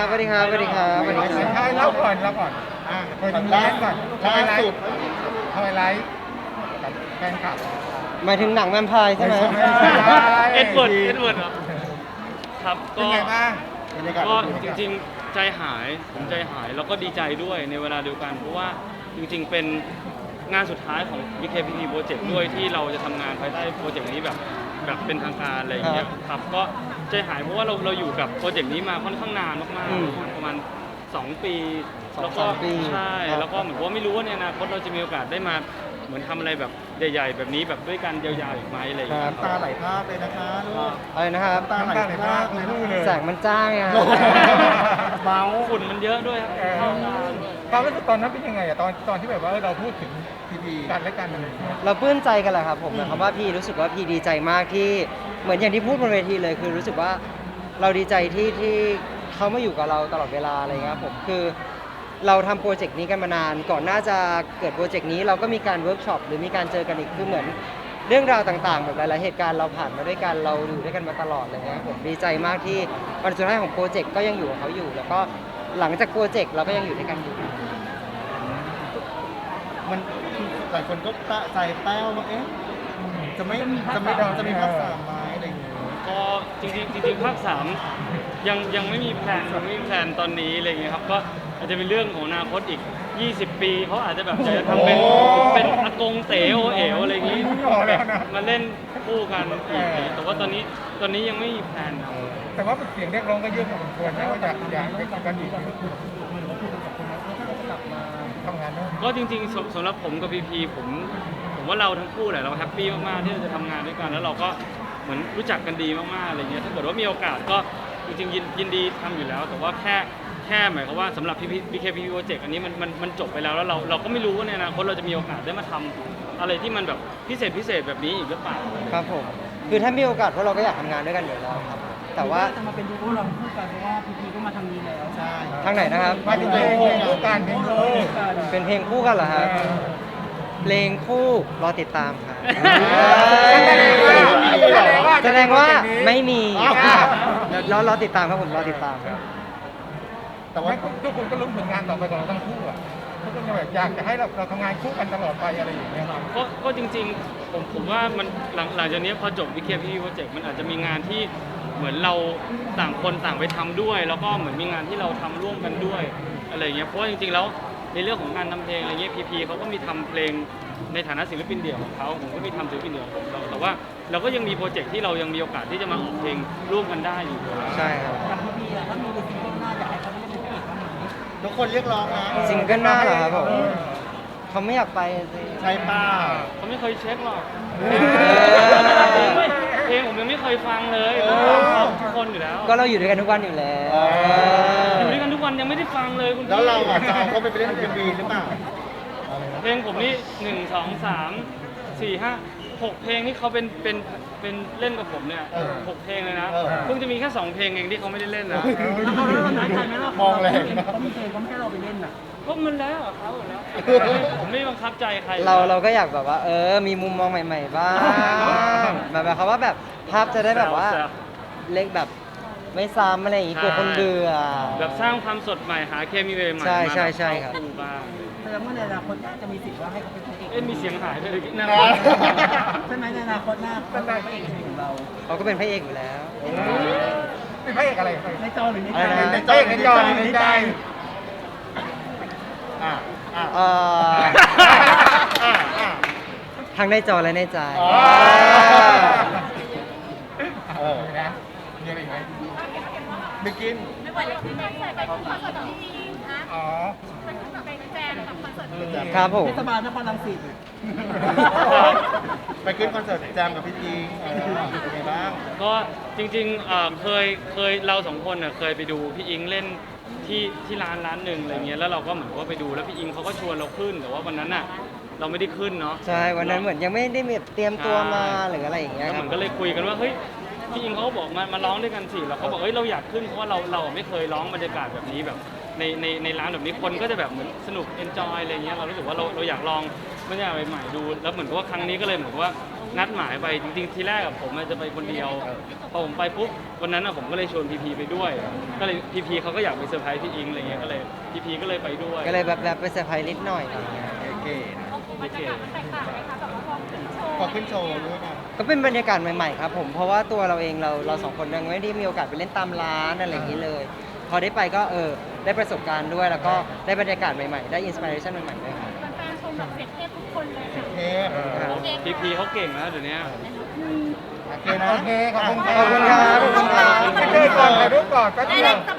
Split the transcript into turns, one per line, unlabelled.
ครับสวัสดีครับสวัสดีครับสวัสดีครับ
ใช่เล่าก่อนเปิดร้านก่อนล่าสุดทำไลฟ์กับแฟนคลับ
หมายถึงหนังแวมไพร์ใช่ไหม
ไม่ใช่
เอ็ดเวิร์ดครับ
เป็นไงบ้างบรรยากาศ
ก็จริงๆใจหายผมใจหายแล้วก็ดีใจด้วยในเวลาเดียวกันเพราะว่าจริงๆเป็นงานสุดท้ายของ BKPP Project ด้วยที่เราจะทำงานภายใต้โปรเจกต์นี้แบบเป็นทางการอะไรอย่างเงี้ยครับก็ใจหายเพราะว่าเราอยู่กับโปรเจกต์นี้มาค่อนข้างนานมากๆประมาณ2 ปีแล้วก็
2-3 ปี
ใช่
ครับ
แล้วก็เหมือนว่าไม่รู้ว่าในอนาคตเราจะมีโอกาสได้มาเหมือนทำอะไรแบบใหญ่ๆแบบนี้แบบด้วยกันยาวๆอีกไหมอะไรอย่างเงี้ย
ตาไหลภาพเลยนะคะลูก
อะไรนะครับ
ตาไหลภาพเลยลูกเลย
แสงมันจ้างไง
เมา
ฝุ่นมันเยอะด้วยครับเข้าตาด้วย
ความรู้สึกตอนนั้นเป็นยังไงอะตอนที่แบบว่าเราพูดถึง
พีพี
กันและกันอะไร
เราปลื้มใจกันแหละครับผมหมายความว่าพี่รู้สึกว่าพี่ดีใจมากที่เหมือนอย่างที่พูดบนเวทีเลยคือรู้สึกว่าเราดีใจที่เขามาอยู่กับเราตลอดเวลาอะไรเงี้ยครับผมคือเราทำโปรเจกต์นี้กันมานานก่อนหน้าจะเกิดโปรเจกต์นี้เราก็มีการเวิร์กช็อปหรือมีการเจอกันอีกคือเหมือนเรื่องราวต่างๆแบบหลายๆเหตุการณ์เราผ่านมาด้วยกันเราอยู่ด้วยกันมาตลอดอะไรเงี้ยครับผมดีใจมากที่วันสุดท้ายของโปรเจกต์ก็ยังอยู่กับเขาอยู่ แล้วก็หลังจากโปรเจกต์เราก็ยังอยู่ด้วยกันอยู่
มันหลายคนก็ตะใจแป้วว่าเอ๊ะจะไม่จะมีภาคสามไหมอะไรอย่างเงี้ย
ก็จริงๆภาค3ยังไม่มีแผนตอนนี้อะไรเงี้ยครับก็อาจจะเป็นเรื่องของอนาคตอีก20 ปีเขาอาจจะแบบจะทำเป็นอากงเต๋อเอ๋วอะไรอย่างงี้มาเล่นคู่กันอีกแต่ว่าตอนนี้ยังไม่มีแผนครับ
แต่ว่าเสียงเรียกร้องก็เยอะพอสมควรนะว่าอยากกันอีกทำงานด้วย
ก็จริงๆสำหรับผมกับพีพีผมว่าเราทั้งคู่แหละเราแฮปปี้มากๆที่เราจะทำงานด้วยกันแล้วเราก็เหมือนรู้จักกันดีมากๆอะไรเงี้ยถ้าเกิดว่ามีโอกาสก็จริงๆยินดีทำอยู่แล้ว แต่ว่าแค่หมายความว่าสำหรับ BKPP Project อันนี้มันจบไปแล้วเราก็ไม่รู้ว่าในอนาคตเราจะมีโอกาสได้มาทำอะไรที่มันแบบพิเศษแบบนี้อีกหรือเปล่า
ครับผมคือถ้ามีโอกาสพวกเราก็อยากทำงานด้วยกันอยู่แล้วครับแต่ว่า
จะมาเป็นดูโอเราคู่กันเพราะว่าพีพีก็มาทางนี้แล้ว
ใช่
ทางไหนนะครับ
มาถึงเพลงคู่กันเพลงคู่
เป็นเพลงคู่กันเหรอครับเพลงคู่รอติดตามครับแสดงว่าไม่มีรอติดตามครับผมรอติดตามครับ
แต่ว่า
ทุกคนก็ลุ้นผลงานต่อไปของเราทั้งคู่อะทุกคนก็แบบอยากจะให้เราทำงานคู่กันตลอดไปอะไรอย่างเงี้ย
ก็จริงๆผมว่ามันหลังจากนี้พอจบ BKPP Project มันอาจจะมีงานที่เหมือนเราต่างคนต่างไปทำด้วย แล้วก็เหมือนมีงานที่เราทำร่วมกันด้วยอะไรอย่างเงี้ยเพราะว่าจริงๆแล้วในเรื่องของการทำเพลงอะไรเงี้ยพีพีเขาก็มีทำเพลงในฐานะศิลปินเดี่ยวของเขาผมก็มีทำศิลปินเดี่ยวของเราแต่ว่าเราก็ยังมีโปรเจกต์ที่เรายังมีโอกาสที่จะมาออกเพลงร่วมกันได้อยู่
ใช่ครับ
กับพีพีอะถ้ามีซิงเกิลหน้าอยากให้เขาได้เป็นพระเอกบ้างไหม
ทุกคนเรียกร้องนะ
ซิงเกิลหน้าเหรอครับผมเขาไม่อยากไปสิ
ใช่เป้า
เขาไม่เคยเช็คหรอก
อ
เพลงผมยังไม่เคยฟังเลยทุกคนอยู่แล้ว
ก็เราอยู่ด้วยกันทุกวันอยู่แล้ว
อยู่ด้วยกันทุกวันยังไม่ได้ฟังเลยคุณพี่
แล้วเราอ่ะจะเอาเขาไปเล่นเอ็มวีหรือเปล่า
เพลงผมนี่1 2 3 4 5 6 เพลงที่เขาเป็นเล่นกับผมเนี่ย6 เพลงเลยนะเพิ่งจะมีแค่2 เพลงเองที่เขาไม่ได้เล่นนะ
แล้วเขาเราน้อยใจไหมล่ะ
มองแรง
เขามีเพลงเขาไม่ให้เราไปเล่นน่ะ
ก็มันแล้วอะเขาแล้วผมไม่บังคับใจใคร
เราก็อยากแบบว่ามีมุมมองใหม่ๆบ้างแบบเขามว่าแบบภาพจะได้แบบว่า
แซว
เล็กแบบไม่ซ้ำอะไรอย่างงี้กลัวคนเบื่อ
แบบสร้างความสดใหม่หาเคมีใหม่ๆ
ใช่
มา
ใช่ใช่ครับ
เข้าบ้าง
แสดงว่าในอนาคตจะมีสิทธิ์ว่าให้เขาเป็นพระเอก
เอ๊ะมีเสียงหายด้วยนะ
ใช่ไหมในอนาคตหน้าเขาเป็นพระเอกของเรา
เขาก็เป็นพระเอกอยู่แล้ว
เป็นพระเอกอะไร
ในจอหรือใน
อะไร
ใจ
นะ
ในใจในจอในใจ
อ่ะอ่ะ
เอ่อ
อ่ะอ่ะ
ทั้งในจอและในใจ
อ๋อ
นะมีอะไรอีกไหม
ไปกิน
ไม่ไหวเลยที่ใส่ไปคอนเสิร์ตของพี่จีนะ
อ๋อ
มันแบบเป็นแจมกับคอนเสิร์ตพี่จี
ครับผม
เทศบาลนครรังสิต
ไปขึ้นคอนเสิร์ตแจมกับพี่จีเป็นไงบ้าง
ก็จริงๆเคยเราสองคนน่ะเคยไปดูพี่อิงเล่นที่ร้านหนึ่งอะไรเงี้ยแล้วเราก็เหมือนว่าไปดูแล้วพี่อิงเขาก็ชวนเราขึ้นแต่ว่าวันนั้นน่ะเราไม่ได้ขึ้นเนาะ
ใช่วันนั้นเหมือนยังไม่ได้แบบเตรียมตัวมาหรืออะไรอย่างเงี้ย
แล้ว
ค
เห
รั
มื
บ
อนก็เลยคุยกันว่าเฮ้ยพี่อิงเขาก็บอกมาร้องด้วยกันสิเราก็บอกเฮ้ยเราอยากขึ้นเพราะว่าเราไม่เคยร้องบรรยากาศแบบนี้แบบในร้านแบบนี้คนก็จะแบบเหมือนสนุกเอนจอยอะไรเงี้ยเรารู้สึกว่าเราอยากลองบรรยากาศใหม่ๆดูแล้วเหมือนกับว่าครั้งนี้ก็เลยเหมือนกับว่านัดหมายไปจริงๆทีแรกอะผมจะไปคนเดียวพอผมไปปุ๊บวันนั้นอะผมก็เลยชวนพีพีไปด้วย ก็เลยพีพีเขาก็อยากไปเซอร์ไพรส์พี่อิงอะไรเงี้ยก็เลยพีพีก็เลยไปด้วย
ก็เลยแบบไปเซอร์ไพรส์นิดหน่อยอะไรเงี้ย
เก๋
บรรยากาศมันแตกต่างไหมคะแบบว่าพอขึ้นโชว์
พอขึ้นโชว์ด้วยนะ
ก็เป็นบรรยากาศใหม่ๆครับผมเพราะว่าตัวเราเองเราสองคนยังไม่ได้มีโอกาสไปเล่นตามร้านอะไรอย่างนี้เลย พอได้ไปก็ได้ประสบการณ์ด้วยแล้วก็ได้บรรยากาศใหม่ๆได้อินสปิเรชันใหม่ๆด้วยครับ
แฟนๆชมแบบเสียงเทพทุกคนเลยค่ะ
เทพ
พีพีเขาเก่งนะเดี๋ยวนี้
โอเคนะโอเคขอบคุณ
ขอบคุณครับขอบคุณครับ
ถ่ายรูปก่อนถ่ายรูปก่อนก็
ได้
เดีย
เล
วย
ต่